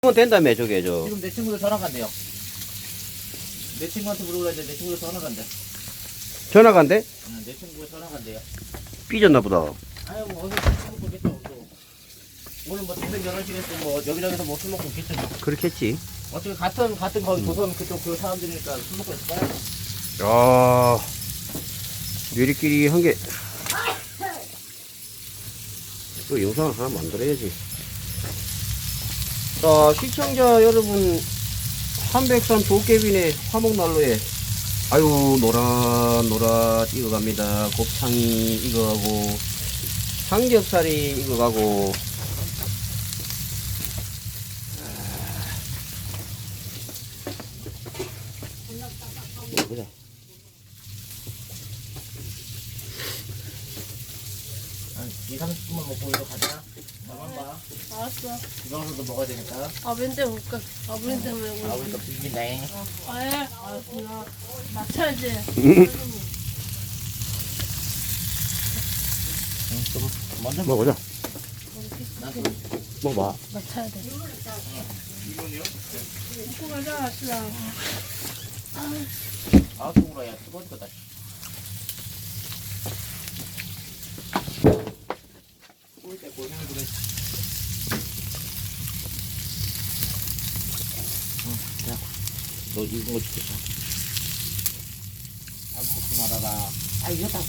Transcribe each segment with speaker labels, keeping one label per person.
Speaker 1: 그건 된다며, 저게, 저.
Speaker 2: 지금 내 친구들 전화 간대요. 내 친구한테 물어보라 했는데 내 친구들 전화 간대.
Speaker 1: 전화 간대?
Speaker 2: 응, 내 친구가 전화 간대요.
Speaker 1: 삐졌나 보다.
Speaker 2: 아유, 뭐, 어디 술 먹고 있겠죠, 또. 오늘 뭐, 동생 결혼식에서 뭐, 여기저기서 뭐 술 먹고 있겠죠. 뭐.
Speaker 1: 그렇겠지.
Speaker 2: 어차피 같은 거기 조선 그쪽 그 사람들이니까 술 먹고 있을 거야.
Speaker 1: 야, 유리끼리 한 개. 또 영상을 하나 만들어야지. 자, 시청자 여러분, 한백산 도깨비네 화목난로에, 아유, 노랏노랏 익어갑니다. 곱창이 익어가고, 삼겹살이 익어가고, 보자.
Speaker 2: 한 2, 30분만 먹고 이거 가자. 나만 봐.
Speaker 3: 알았어.
Speaker 2: 이거서도 먹어야 되니까.
Speaker 3: 아버지한테 먹을까? 아버지한테 먹을까?
Speaker 2: 아, 우리가 비빈다잉.
Speaker 3: 아, 예. 알았구나. 맞춰야지.
Speaker 2: 좀 먼저
Speaker 1: 먹어보자.
Speaker 2: 나도
Speaker 1: 먹어봐.
Speaker 3: 맞춰야 돼. 먹고 가자, 신랑.
Speaker 2: 아웃으로 야 뜨거울 거다. 꼴때 고생을 그래. 자, 너 익은 거 주겠어. 안 먹지 말아라. 아, 이겼다고.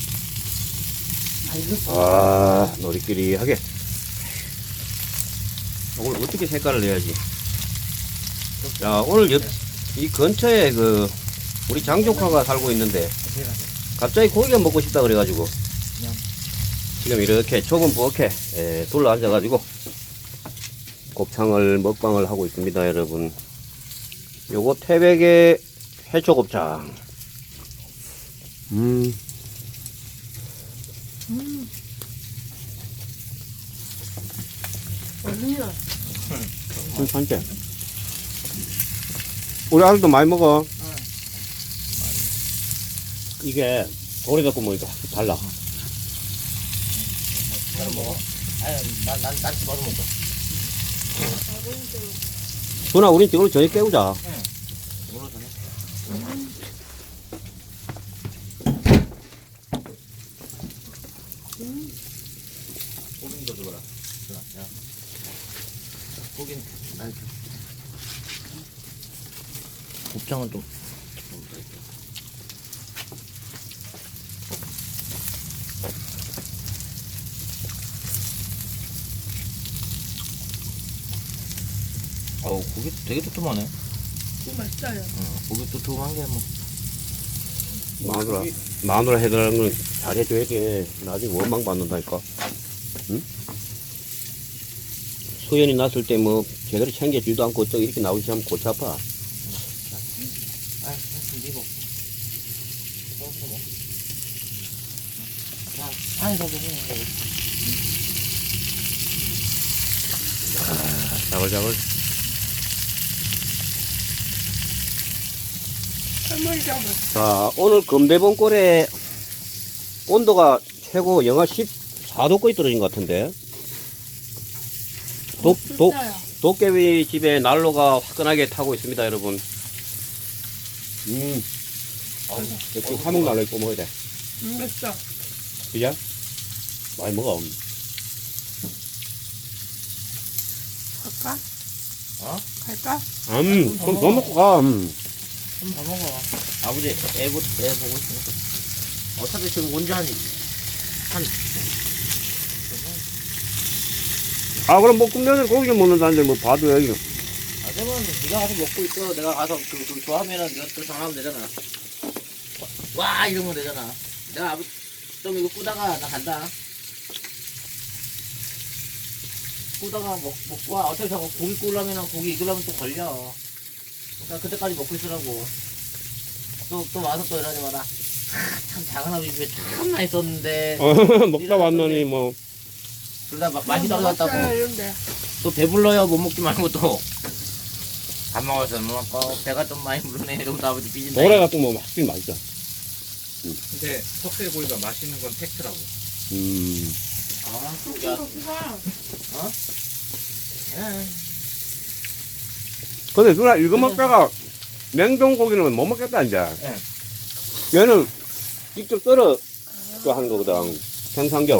Speaker 2: 아, 이겼어.
Speaker 1: 아, 놀이끼리 하게. 오늘 어떻게 색깔을 내야지? 자, 오늘 이 근처에 우리 장조카가 살고 있는데, 갑자기 고기가 먹고 싶다 그래가지고, 지금 이렇게 좁은 부엌에 둘러 앉아가지고, 곱창을 먹방을 하고 있습니다, 여러분. 요거 태백의 해초곱창.
Speaker 3: 어디냐?
Speaker 1: 괜찮지? 우리 아들도 많이 먹어. 이게 오래 갖고 먹으니까 확실히 달라.
Speaker 2: 잘 먹어. 아유, 난 집어서 먹어.
Speaker 1: 준아, 우린 지금 저녁 깨우자.
Speaker 2: 오늘 저녁. 고기도 줘라. 야. 고기는 날 줘. 곱창은 좀. 어우, 고기 되게 두툼하네.
Speaker 3: 이거 맛있어요.
Speaker 2: 고기 두툼한 게 뭐.
Speaker 1: 마누라 해달라는 건 잘해줘야지. 나중에 원망 받는다니까. 응? 소연이 났을 때 뭐 제대로 챙겨주지도 않고 또 이렇게 나오지 않으면 골치 아파.
Speaker 2: 아, 니 먹고. 먹어, 먹어. 자, 아니, 저기,
Speaker 1: 자글자글.
Speaker 3: 할머니 잡아.
Speaker 1: 자, 오늘 금대봉골에 온도가 최고 영하 14도까지 떨어진 것 같은데. 도깨비 집에 난로가 화끈하게 타고 있습니다, 여러분. 역시 화목 난로 입고 먹어야 돼.
Speaker 3: 맛있어.
Speaker 1: 그죠? 많이 먹어.
Speaker 3: 갈까?
Speaker 2: 어?
Speaker 3: 갈까?
Speaker 1: 그럼 더 먹고 가.
Speaker 2: 좀 더 먹어. 아버지, 애 보고 있으니까. 어차피 지금 온지 한.
Speaker 1: 아, 그럼 볶음면을 고기 먹는다는데 뭐 봐도야, 이거.
Speaker 2: 아, 그러면 네가 가서 먹고 있어. 내가 가서 그 좋아하면은 네가 또 전화하면 되잖아. 와, 이러면 되잖아. 내가 아버지 좀 이거 꾸다가 나 간다. 꾸다가 먹고 와. 어차피 저거 고기 구우려면은 고기 익으려면 또 걸려. 그러니까 그때까지 먹고 있으라고. 또 와서 또 이러지 마라. 참 작은 아버지 집에 참 맛있었는데.
Speaker 1: 먹다 왔더니 뭐.
Speaker 2: 둘 다 맛있다고 갔다고.
Speaker 3: 이런데.
Speaker 2: 또 배불러요. 못 먹지 말고 또. 밥 먹어서 뭐 배가 좀 많이 부르네. 이러면서 아버지 삐진다.
Speaker 1: 노래 갖고 뭐 확실히 맛있어.
Speaker 4: 근데 석쇠고기가 맛있는 건 팩트라고.
Speaker 2: 아,
Speaker 3: 이거
Speaker 2: 야,
Speaker 3: 그거.
Speaker 2: 어? 예.
Speaker 1: 근데 누나 이거 먹다가 냉동 고기는 못 먹겠다 이제.
Speaker 4: 네.
Speaker 1: 얘는 직접 썰어 또 하는 거거든. 생삼겹.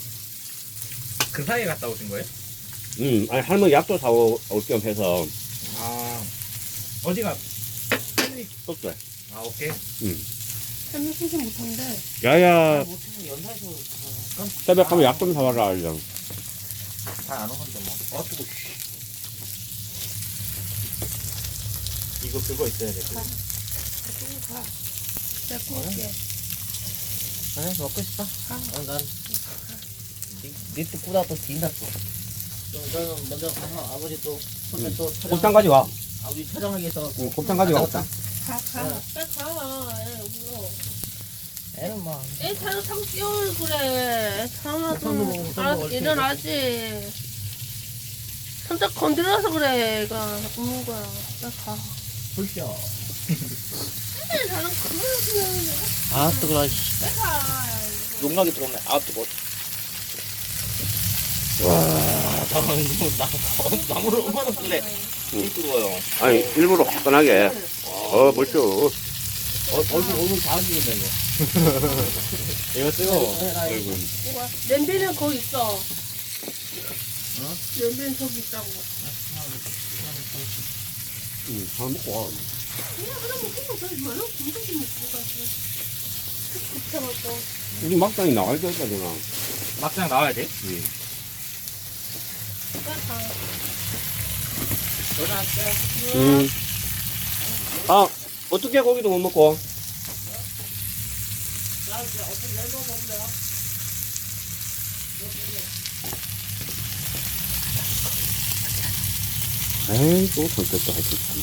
Speaker 4: 그 사이에 갔다 오신 거예요?
Speaker 1: 아니 할머니 약도 사올 겸 해서
Speaker 4: 아, 어디가?
Speaker 1: 떴어요.
Speaker 4: 아, 오케이.
Speaker 3: 햄을 쓰지 못한데.
Speaker 1: 야야
Speaker 2: 못해서 연사에서
Speaker 1: 새벽 하면 약 좀 사와라 이런.
Speaker 2: 잘안 오는데 뭐. 뜨거.
Speaker 4: 이거 그거 있어야 돼.
Speaker 3: 가. 내가 구울게.
Speaker 2: 그래 먹고 싶어? 난 니또 꾸다 또 뒤인다 또. 그럼 저는 먼저 가서 아버지 또 혼자 또
Speaker 1: 곱창 가져와.
Speaker 2: 아버지 촬영하기 위해서
Speaker 1: 곱창 가져와.
Speaker 2: 갔다
Speaker 3: 가. 빨리 가. 애 울어.
Speaker 2: 애는 뭐
Speaker 3: 애 차를 타고 뛰어올 그래. 차나
Speaker 2: 손도 먹고,
Speaker 3: 좀
Speaker 2: 손도
Speaker 3: 알아서
Speaker 2: 먹을
Speaker 3: 일어나지. 손짝 건드려서 그래. 애가 우는 거야. 빨리 가.
Speaker 2: 불쇼.
Speaker 3: 나는 그냥
Speaker 2: 아 뜨거워.
Speaker 3: 빨리 가.
Speaker 2: 용락이 뜨겁네. 아 뜨거워. 나무를 얼마나 쓸래? 이 뜨거워요.
Speaker 1: 아니 일부러 화끈하게. 벌써.
Speaker 2: 얼굴 다 죽인다 이거.
Speaker 4: 이거 뜨거워.
Speaker 3: 냄비는 거기 있어. 냄비는 저기 있다고.
Speaker 1: 다 먹고 와.
Speaker 3: 그냥 먹고 가. 얼마나 군대지 먹고 가지. 급해갖고.
Speaker 1: 우리 막장이 나와야 되겠다 누나.
Speaker 4: 막장 나와야 돼?
Speaker 3: 빨리 가.
Speaker 2: 전화할게.
Speaker 1: 아 어떻게 고기도 못 먹고? 에이 또 손톱도 할수 있지.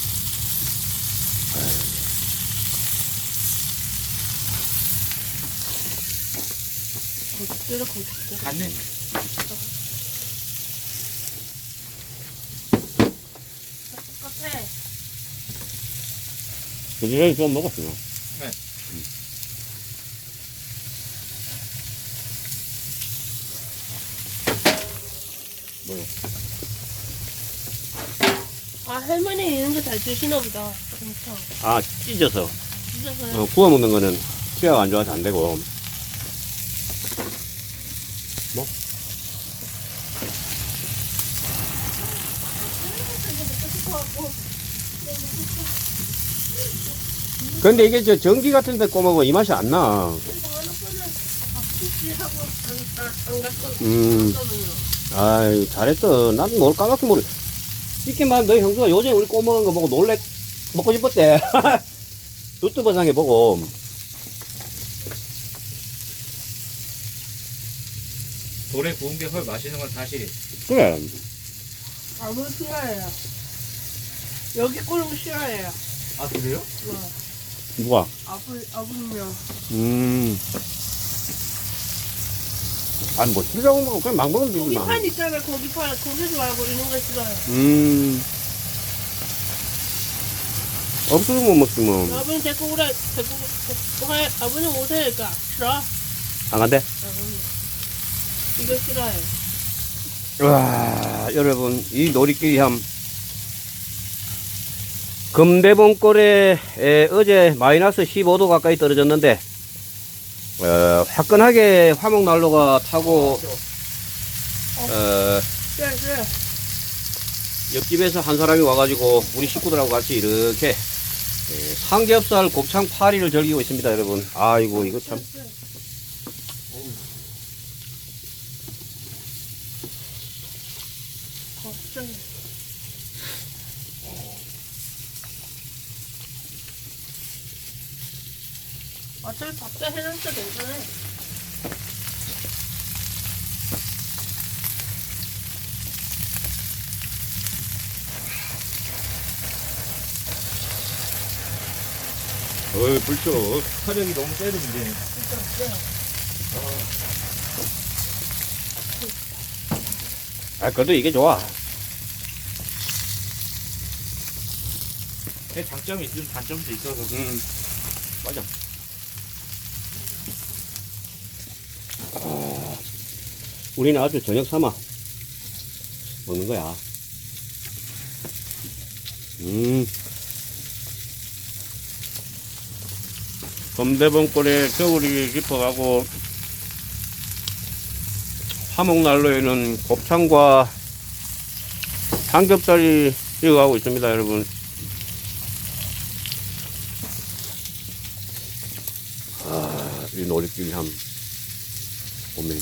Speaker 3: 거짓대로 거짓대로.
Speaker 4: 갔네.
Speaker 3: 똑같아.
Speaker 1: 그전에 좀 먹었어.
Speaker 4: 네.
Speaker 1: 뭐요?
Speaker 3: 아 할머니 이런 거 잘 드시나 보다. 진짜.
Speaker 1: 아 찢어서.
Speaker 3: 진짜 그래.
Speaker 1: 구워 먹는 거는 치아가 안 좋아서 안 되고. 뭐? 근데 이게 저 전기 같은 데 꼬먹으면 이 맛이 안 나. 아이, 잘했어. 나도 뭘 까맣게 모르. 쉽게 말하면 너희 형수가 요새 우리 꼬먹은 거 보고 놀래, 먹고 싶었대. 유튜브 상에 보고.
Speaker 4: 돌에 구운 게 훨 맛있는 건 사실이.
Speaker 1: 그래.
Speaker 3: 아무 싫어해요. 여기 꼴은 싫어해요.
Speaker 4: 아, 그래요?
Speaker 1: 누가?
Speaker 3: 아버님요.
Speaker 1: 아니, 뭐, 싫다고 먹고 그냥 막 먹으면 되지, 마.
Speaker 3: 고기판 있잖아. 고기판. 고기지 말고 이런 거 싫어요.
Speaker 1: 없어서 못 먹지, 뭐.
Speaker 3: 아버님 데리고 오래. 데리고 가. 아버님 오세요. 그러니까 싫어.
Speaker 1: 안 간대?
Speaker 3: 아버님. 이거 싫어요.
Speaker 1: 와, 여러분, 이 놀이끼리 함. 금대봉골에 어제 마이너스 15도 가까이 떨어졌는데, 화끈하게 화목난로가 타고,
Speaker 3: 그래.
Speaker 1: 옆집에서 한 사람이 와가지고, 우리 식구들하고 같이 이렇게, 삼겹살 곱창 파리를 즐기고 있습니다, 여러분. 아이고, 이거 참.
Speaker 3: 걱정해. 어차피 밥도 해놨어. 괜찮아.
Speaker 1: 불쇼.
Speaker 4: 화력이 너무 세도 문제네.
Speaker 1: 아, 그래도 이게 좋아.
Speaker 4: 내 장점이 있으면 단점도 있어서.
Speaker 1: 맞아. 우리는 아주 저녁 삼아 먹는 거야. 검대봉골에 겨울이 깊어가고 화목난로에는 곱창과 삼겹살이 익어가고 있습니다, 여러분. 이 노릇길 함 오메.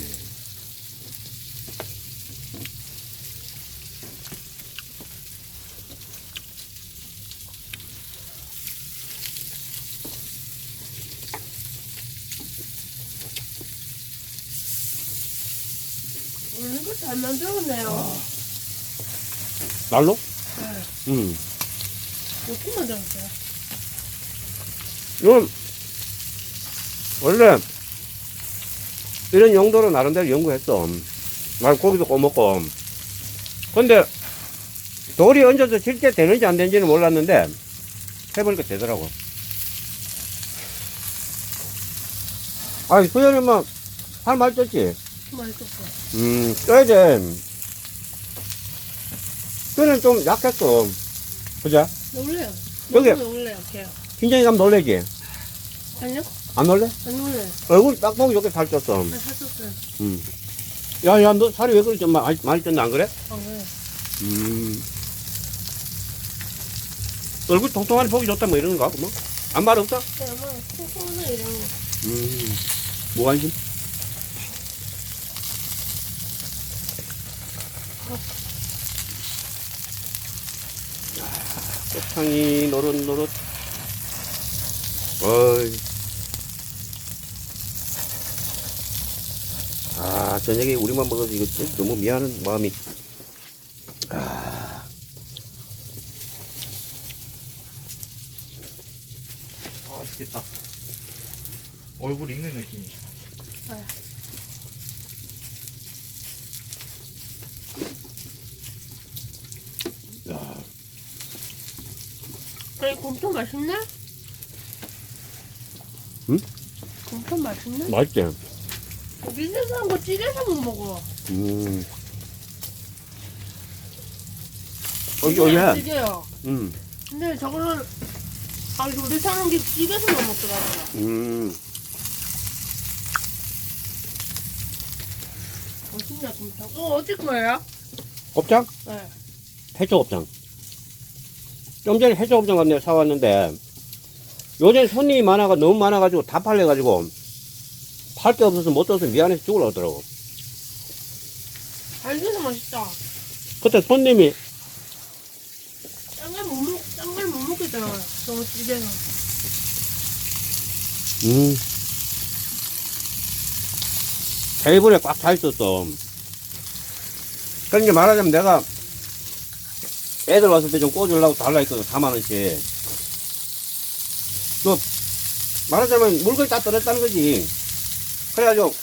Speaker 3: 이거 잘 만들었네요.
Speaker 1: 날로?
Speaker 3: 네. 어떻게 만들었어요?
Speaker 1: 이건 원래 이런 용도로 나름대로 연구했어. 말 고기도 구워먹고. 근데 돌이 얹어서 실제 되는지 안 되는지는 몰랐는데 해보니까 되더라고. 아이 수현이 뭐 살 많이 쪘지?
Speaker 3: 맛있었어.
Speaker 1: 쪄야 돼. 뼈는 좀 약했어. 그죠?
Speaker 3: 놀래요.
Speaker 1: 여기.
Speaker 3: 너무 놀래요, 걔.
Speaker 1: 굉장히 가면 놀래지?
Speaker 3: 아니요?
Speaker 1: 안 놀래?
Speaker 3: 안 놀래요.
Speaker 1: 얼굴 딱 보기 좋게 살쪘어.
Speaker 3: 아, 샀었어요.
Speaker 1: 야, 너 살이 왜 그렇게 많이 쪘나, 안 그래?
Speaker 3: 안 그래요.
Speaker 1: 얼굴 통통하니 보기 좋다, 뭐 이러는 거? 뭐? 아무 말 없어?
Speaker 3: 네, 아마 콩콩이나 이런 거.
Speaker 1: 무관심? 꽃향이 노릇노릇. 어이. 저녁에 우리만 먹어서 이거 너무 미안한 마음이.
Speaker 4: 맛있겠다. 얼굴 익는 느낌이.
Speaker 3: 아니, 곰탕 맛있네?
Speaker 1: 응?
Speaker 3: 곰탕 맛있네?
Speaker 1: 맛있지?
Speaker 3: 밑에서 한 거 찌개서 못 먹어.
Speaker 1: 어이야.
Speaker 3: 찌개요. 근데 저거는, 요리 사는 게 찌개서 못 먹더라고요. 맛있네, 곰탕. 어디 거예요?
Speaker 1: 곱창?
Speaker 3: 네.
Speaker 1: 해초 곱창. 좀 전에 해초 곱창 같네 사왔는데, 요즘 손님이 너무 많아가지고 다 팔려가지고, 팔 게 없어서 못 떠서 미안해서 죽으려고 하더라고.
Speaker 3: 알게서 맛있다.
Speaker 1: 그때 손님이,
Speaker 3: 짠 걸 못 먹겠잖아. 저거 찌개는.
Speaker 1: 테이블에 꽉 차 있었어. 그러니까 말하자면 내가 애들 왔을 때 좀 꽂으려고 달라 했거든, 4만원씩. 또, 말하자면 물건이 다 떨어졌다는 거지. 그래가지고,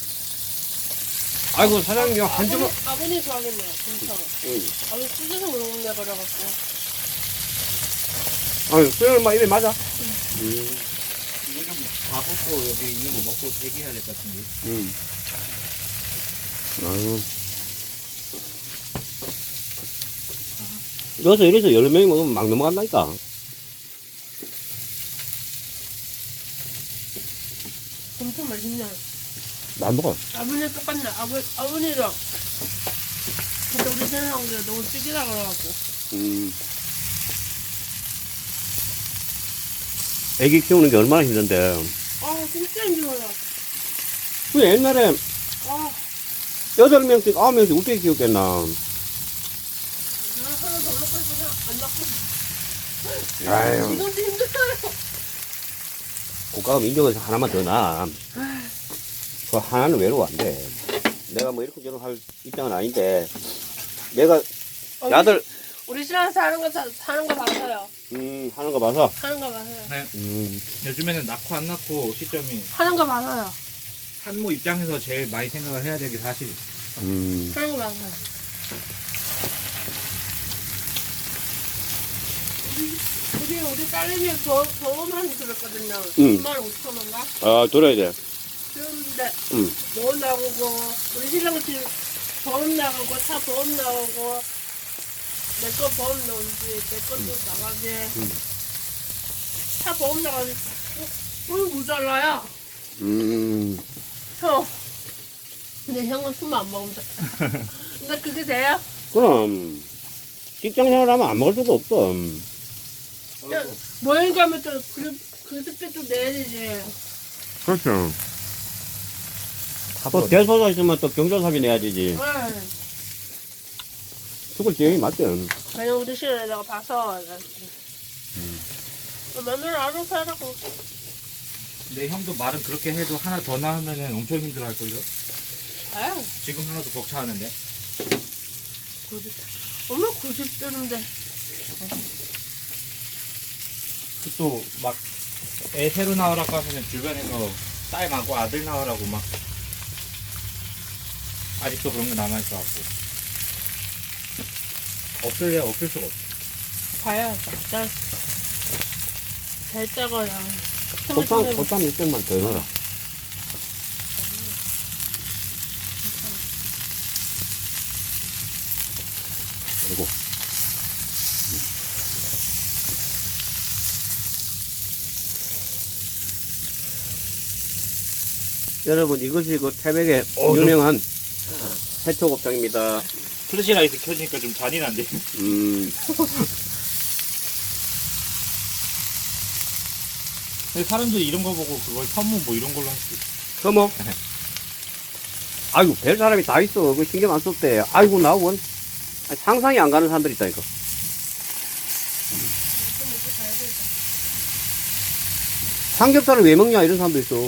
Speaker 1: 아이고, 사장님, 한 주먹.
Speaker 3: 아버님 좋아하겠네요, 괜찮아. 아버님 찌개서 먹는다 그래갖고.
Speaker 1: 아유, 수영은 막 입에 맞아.
Speaker 4: 이거 좀 다 꽂고 여기 있는 거 먹고 대기해야 될 것 같은데.
Speaker 1: 아유. 여기서 이래서 10명이 먹으면 막 넘어간다니까.
Speaker 3: 엄청 맛있네.
Speaker 1: 나 안 먹어.
Speaker 3: 아버님 똑같네. 아버님이랑. 근데 우리 생각한 게 너무 찌개라 그래갖고.
Speaker 1: 애기 키우는 게 얼마나 힘든데.
Speaker 3: 진짜 힘들어요.
Speaker 1: 그 옛날에 8명씩, 9명씩 어떻게 키웠겠나.
Speaker 3: 하나 더 넣고 있으면 안 넣고.
Speaker 1: 아유.
Speaker 3: 이것도 힘들어요.
Speaker 1: 국가가 인정해서 하나만 더 놔. 그 하나는 외로워 안 돼. 내가 뭐 이렇게 저렇게 할 입장은 아닌데, 내가 야들,
Speaker 3: 우리 신랑 사는 거 봐서요.
Speaker 1: 하는 거 봐서.
Speaker 3: 하는 거 봐서요.
Speaker 4: 네. 요즘에는 낳고 안 낳고 시점이
Speaker 3: 하는 거 봐서요.
Speaker 4: 산모 입장에서 제일 많이 생각을 해야 되는 게 사실.
Speaker 3: 하는 거 봐서요. 우리 딸내미 병원만 들었거든요. 25,000원가?
Speaker 1: 들어야 돼.
Speaker 3: 그런데 병원 나오고 우리 신랑 지금 병원 나가고 차 병원 나오고 내 거 보험 넣은지, 내 것도 나가지. 차 보험 나가지. 모자라요. 형. 근데 형은 술만 안 먹으면 돼. 근데 그게 돼요?
Speaker 1: 그럼 직장 생활하면 안 먹을 수도 없어.
Speaker 3: 모임 가면 또 그때 또 내야 되지.
Speaker 1: 그렇죠. 또 대소사 있으면 또 경조사비 내야 되지.
Speaker 3: 응.
Speaker 1: 죽을 지경이 맞죠.
Speaker 3: 그냥 우리 시간에 내가 봐서. 며느리 알아서 하라고.
Speaker 4: 내 형도 말은 그렇게 해도 하나 더 낳으면은 엄청 힘들어할걸요?
Speaker 3: 아유,
Speaker 4: 지금 하나도 벅차하는데.
Speaker 3: 90. 엄마 90대인데.
Speaker 4: 또 막 애 새로 나오라고 하면은 주변에서 딸 많고 아들 나오라고 막 아직도 그런 거 남아있어갖고 없을래 없을 수가 없어.
Speaker 3: 봐야 잘 짜거야.
Speaker 1: 콧땀 1점만 더 넣어라. 그리고 여러분 이것이 그 태백의 유명한 해초곱창입니다.
Speaker 4: 플래시라이트 켜지니까 좀 잔인한데. 근데 사람들이 이런 거 보고 그걸 선무 뭐 이런 걸로 할 수 있어.
Speaker 1: 서먹. 아이고 별 사람이 다 있어. 그 신경 안 썼대. 아이고 나원 상상이 안 가는 사람들 있다니까. 삼겹살을 왜 먹냐 이런 사람도 있어.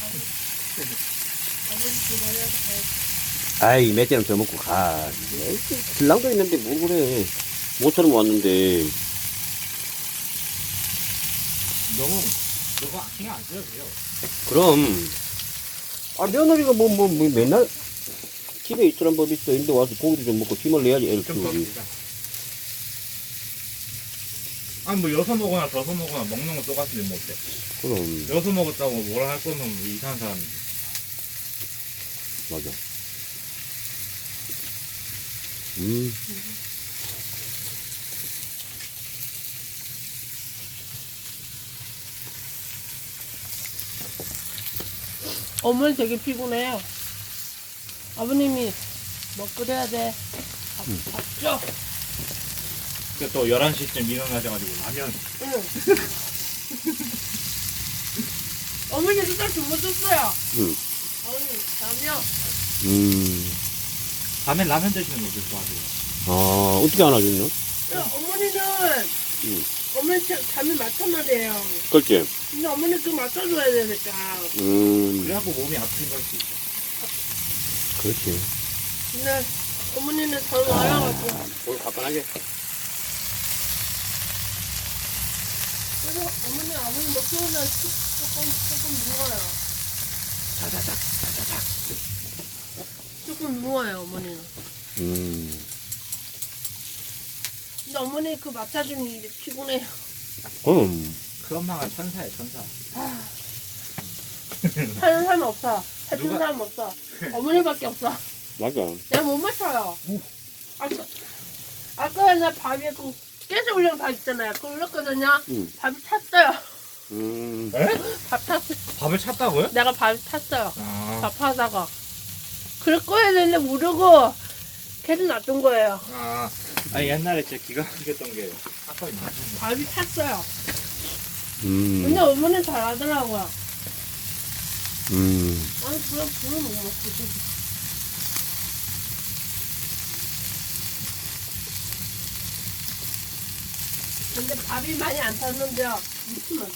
Speaker 1: 아이 몇 잔을 더 먹고 가. 에이, 신랑도 있는데 뭐 그래. 모처럼 왔는데.
Speaker 4: 너무 그거 신경 안 써도 돼요.
Speaker 1: 그럼 아 며느리가 뭐 맨날 집에 있으란 법이 있어. 근데 와서 고기도 좀 먹고 힘을 내야지 애를
Speaker 4: 좀 더
Speaker 1: 키우지.
Speaker 4: 드리자. 아니 뭐 여서 먹거나 저서 먹거나 먹는 거 똑같은데 뭐 어때?
Speaker 1: 그럼
Speaker 4: 여서 먹었다고 뭐라 할 거면 뭐 이상한 사람이지.
Speaker 1: 맞아.
Speaker 3: 어머니 되게 피곤해요. 아버님이 뭐 끓여야 돼. 밥 줘.
Speaker 4: 그러니까 또 11시쯤 일어나셔가지고 라면.
Speaker 3: 응. 어머니 진짜 주무셨어요.
Speaker 1: 응.
Speaker 3: 어머니 잠이요.
Speaker 4: 밤에 라면 드시는 거 어떻게 좋아하세요?
Speaker 1: 아 어떻게 안아줬냐?
Speaker 3: 어머니는
Speaker 1: 응.
Speaker 3: 어머니 잠이 맞춰놔야 돼요.
Speaker 1: 그렇지.
Speaker 3: 근데 어머니 그 맞춰줘야 되니까.
Speaker 4: 그래갖고 몸이 아프신 걸 수 있어.
Speaker 1: 그렇지.
Speaker 3: 근데 어머니는 잠 와여가지고.
Speaker 1: 오늘 가뿐하게.
Speaker 3: 그래서 어머니 아버님 뭐 키우면 조금 누워요.
Speaker 1: 자자자.
Speaker 3: 조금 누워요 어머니는. 근데 어머니 그 맡아주는 일이 피곤해요.
Speaker 1: 그럼
Speaker 4: 그 엄마가 천사야 천사.
Speaker 3: 하는 사람 없어. 해주는
Speaker 4: 누가-
Speaker 3: 사람 없어. 어머니밖에 없어.
Speaker 1: 맞아.
Speaker 3: 내가 못 맞춰요. 아까 나 밥에 그 깨서 올린 밥 있잖아요. 그거 올렸거든요.
Speaker 1: 응.
Speaker 3: 밥이 탔어요.
Speaker 4: 에?
Speaker 3: 밥 탔어요.
Speaker 4: 밥을 찼다고요?
Speaker 3: 내가 밥이 탔어요.
Speaker 4: 아,
Speaker 3: 밥 하다가. 그럴 거야 되는데 모르고 계속 놔둔 거예요.
Speaker 4: 아니 옛날에 진짜 기가 막혔던 게 아까 있나?
Speaker 3: 밥이 탔어요. 근데 어머니는 잘하더라고요. 아니 그냥 불을 못 먹지. 근데 밥이 많이 안 탔는데요. 무치면.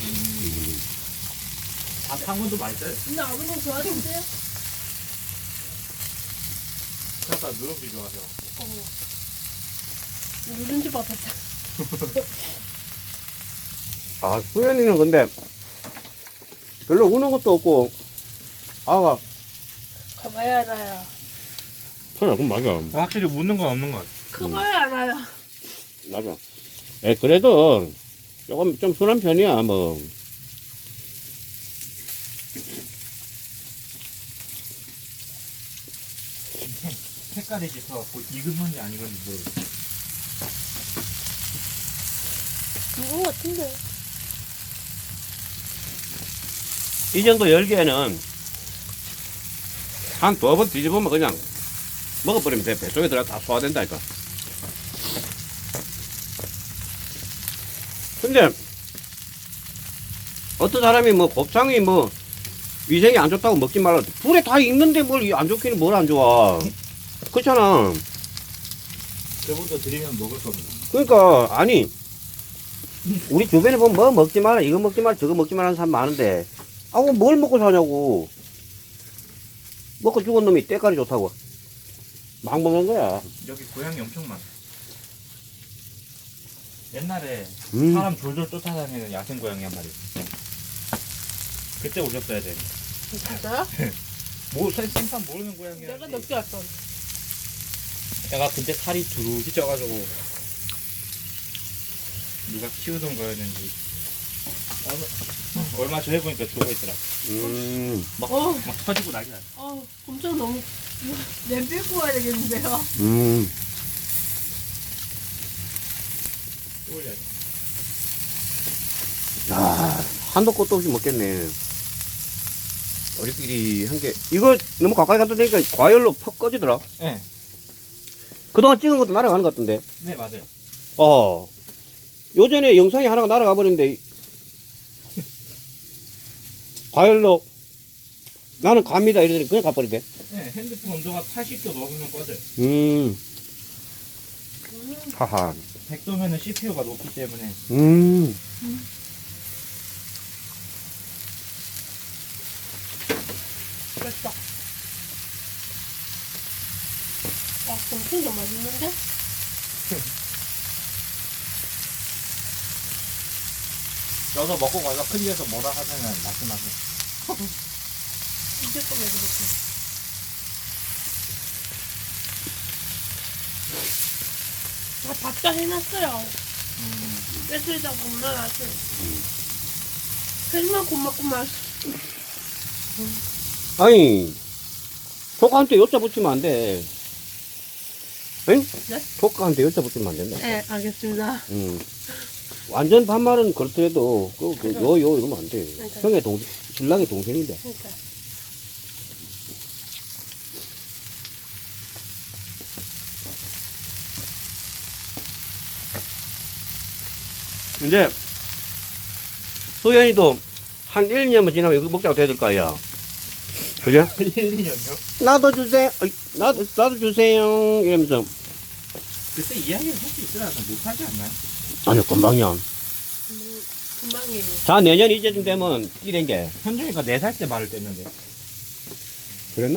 Speaker 4: 밥한 번도 맛있어요.
Speaker 3: 근데 아버님 좋아하는데요?
Speaker 4: 아까 누룽지 좋아하셔.
Speaker 3: 누룽지 밥 했다.
Speaker 1: 아 수연이는 근데 별로 우는 것도 없고 아가
Speaker 3: 커봐야 알아요.
Speaker 1: 그래 그럼 맞아.
Speaker 4: 확실히 묻는 건 없는 것 같아.
Speaker 3: 커봐야 알아요.
Speaker 1: 맞아. 에 그래도 조금 좀 순한 편이야 뭐.
Speaker 4: 색깔이 짙어갖고 익은 건지 안 익은지 모르겠어.
Speaker 3: 이거 같은데.
Speaker 1: 이 정도 열기에는 한 2번 뒤집으면 그냥 먹어버리면 돼. 뱃속에 들어가 다 소화된다니까. 근데 어떤 사람이 뭐 곱창이 뭐 위생이 안 좋다고 먹지 말라. 불에 다 익는데 뭘 안 좋기는 뭘 안 좋아. 그렇잖아.
Speaker 4: 그분도 드리면 먹을 겁니다.
Speaker 1: 그러니까 아니 우리 주변에 보면 뭐 먹지 마라 이거 먹지 마라 저거 먹지 마라 하는 사람 많은데 아우 뭘 먹고 사냐고. 먹고 죽은 놈이 때깔이 좋다고 막 먹는 거야.
Speaker 4: 여기 고양이 엄청 많아. 옛날에
Speaker 1: 음.
Speaker 4: 사람 졸졸 쫓아다니는 야생 고양이 한 마리. 그때 오셨어야 돼.
Speaker 3: 진짜요?
Speaker 4: 생판 모르는 고양이야.
Speaker 3: 내가 늦게 왔어.
Speaker 4: 내가 그때 살이 두루히 쪄가지고 누가 키우던 거였는지 얼마 전에 보니까 죽어 있더라.
Speaker 3: 어,
Speaker 4: 막 터지고 난리 났어.
Speaker 3: 엄청 너무 냄새 뽑아야 되겠는데요?
Speaker 4: 또 올려야 돼.
Speaker 1: 야, 한도 끝도 없이 먹겠네. 우리끼리 한 게, 이거 너무 가까이 갖다 대니까 과열로 퍽 꺼지더라.
Speaker 4: 네,
Speaker 1: 그동안 찍은 것도 날아가는 것 같던데.
Speaker 4: 네 맞아요.
Speaker 1: 요전에 영상이 하나가 날아가 버렸는데, 과열로, 나는 갑니다. 이러더니 그냥 가버리대.
Speaker 4: 네, 핸드폰 온도가 80도 넘으면 꺼져요.
Speaker 1: 하하.
Speaker 4: 100도면은 CPU가 높기 때문에.
Speaker 3: 맛있다. 엄청 좀 맛있는데?
Speaker 4: 여기서 먹고 가서 큰 집에서 뭐라 하면은 말씀하세요.
Speaker 3: 이제 거 먹어볼게. 밥다 해놨어요. 뺏으다 보면 아주 정말 고맙구만.
Speaker 1: 아니, 조카한테 여자 붙이면 안 돼. 응?
Speaker 3: 네?
Speaker 1: 조카한테 여자 붙이면 안 된다.
Speaker 3: 네, 알겠습니다.
Speaker 1: 완전 반말은 그렇더라도, 이러면 안 돼.
Speaker 3: 그러니까.
Speaker 1: 형의 신랑의 동생인데.
Speaker 3: 그러니까.
Speaker 1: 이제, 소연이도 한 1, 2년만 지나면 이거 먹자고 돼야 될 거 아니야. 그죠?
Speaker 4: 1, 2년요?
Speaker 1: 나도 주세요. 나도 주세요. 이러면서.
Speaker 4: 그때 이야기를 할 수 있으라서 못하지 않나요?
Speaker 1: 아니, 금방이야.
Speaker 3: 금방이에요.
Speaker 1: 자, 내년 이제쯤 되면 이런 게.
Speaker 4: 현중이가 4살 때 말을 뗐는데.
Speaker 1: 그랬나?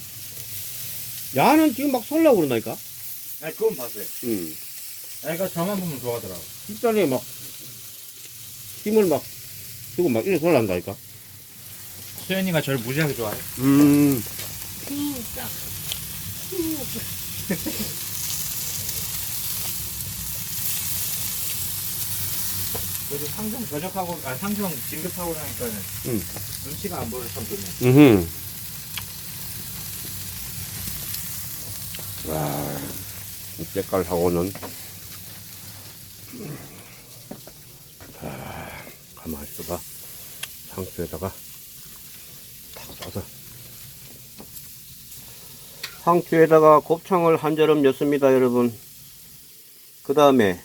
Speaker 1: 야는 지금 막 설라고 그런다니까?
Speaker 4: 아니 그건 봤어요.
Speaker 1: 응.
Speaker 4: 애가 저만 보면 좋아하더라고.
Speaker 1: 진짜네, 막, 힘을 막, 주고 막 이래 설란다니까?
Speaker 4: 수현이가 저를 무지하게 좋아해.
Speaker 3: 진짜.
Speaker 4: 그래도 상정 전역하고, 상정 진급하고 나니까는 눈치가 안 보여 참 좋네.
Speaker 1: 와, 때깔하고는. 가만히 있어봐. 상추에다가 탁 싸서. 상추에다가 곱창을 한 저름 넣습니다, 여러분. 그 다음에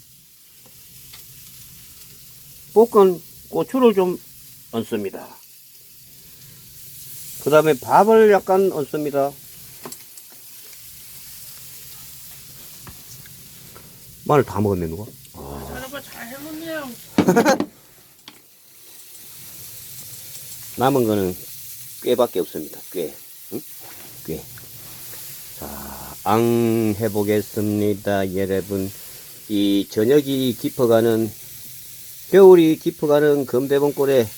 Speaker 1: 볶은 고추를 좀 얹습니다. 그 다음에 밥을 약간 얹습니다. 마늘 다 먹었네, 누가?
Speaker 3: 여러분 잘 해먹네요.
Speaker 1: 남은 거는 꾀밖에 없습니다. 꾀. 응? 꾀. 자, 앙 해보겠습니다, 여러분. 이 저녁이 깊어가는, 겨울이 깊어가는 금대봉골에,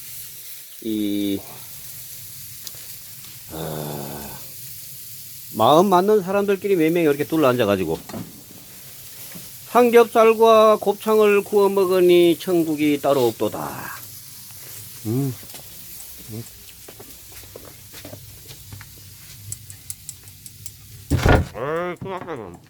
Speaker 1: 마음 맞는 사람들끼리 몇 명이 이렇게 둘러앉아가지고, 삼겹살과 곱창을 구워 먹으니 천국이 따로 없도다. 에이, 그만.